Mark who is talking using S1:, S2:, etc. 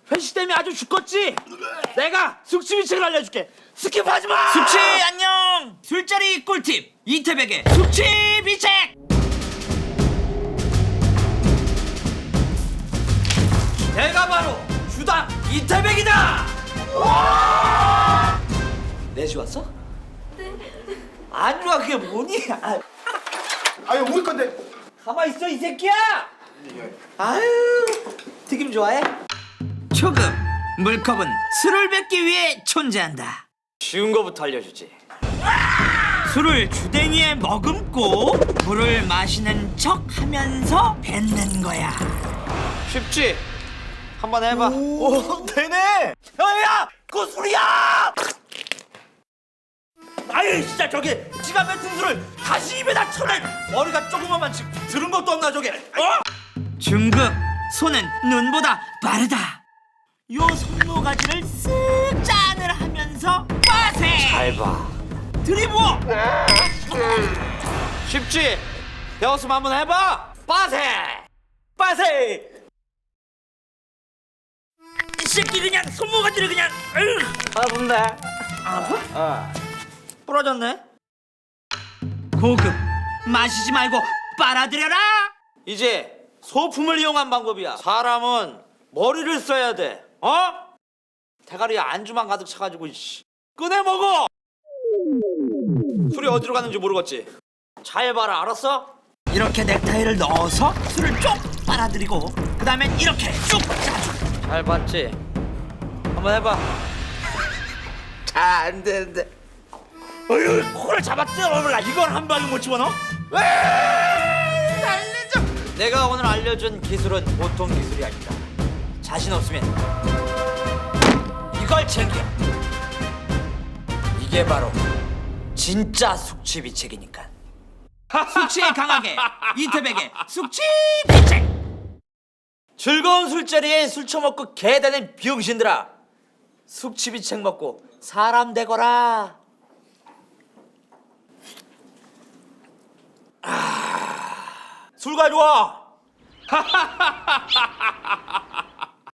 S1: 회식 때문에 아주 죽겠지? 내가 숙취비책을 알려줄게. 스킵하지 마.
S2: 숙취 안녕. 술자리 꿀팁 이태백의 숙취비책.
S1: 내가 바로 주당 이태백이다. 내주 왔어? 네. 안 좋아 그게 뭐니?
S3: 아유 우리 건데.
S1: 가만 있어 이 새끼야. 아유 튀김 좋아해?
S2: 초급 물컵은 술을 뱉기 위해 존재한다.
S1: 쉬운 거부터 알려주지.
S2: 술을 주댕이에 머금고 물을 마시는 척 하면서 뱉는 거야.
S1: 쉽지? 한번 해봐. 오 되네. 야야 그거 술이야. 아유 진짜 저게 지가 뱉은 술을 다시 입에다 쳐내. 머리가 조그만만 지금 들은 것도 없나 저게.
S2: 중급 손은 눈보다 빠르다. 요 손모가지를 쓱 짠을 하면서 빠세
S1: 잘 봐.
S2: 들이부어.
S1: 쉽지? 배웠으면 한번 해봐. 빠세 빠세.
S2: 이 새끼 그냥 손모가지를 그냥
S1: 아픈데. 아파? 부러졌네.
S2: 고급 마시지 말고 빨아들여라.
S1: 이제 소품을 이용한 방법이야. 사람은 머리를 써야 돼. 대가리에 안주만 가득 차가지고 꺼내 먹어. 술이 어디로 갔는지 모르겠지. 잘 봐라 알았어?
S2: 이렇게 넥타이를 넣어서 술을 쭉 빨아들이고 그 다음엔 이렇게 쭉 짜줘.
S1: 잘 봤지? 한번 해봐. 잘 안 되는데.
S2: 어휴 코를 잡았지. 이건 한 방에 못 집어넣어?
S1: 내가 오늘 알려준 기술은 보통 기술이 아니다. 자신 없으면 이걸 챙겨. 이게 바로 진짜 숙취비책이니까.
S2: 숙취에 강하게 이태백의 숙취비책.
S1: 즐거운 술자리에 술 처먹고 개다는 비용신들아, 숙취비책 먹고 사람 되거라. 술 가져와.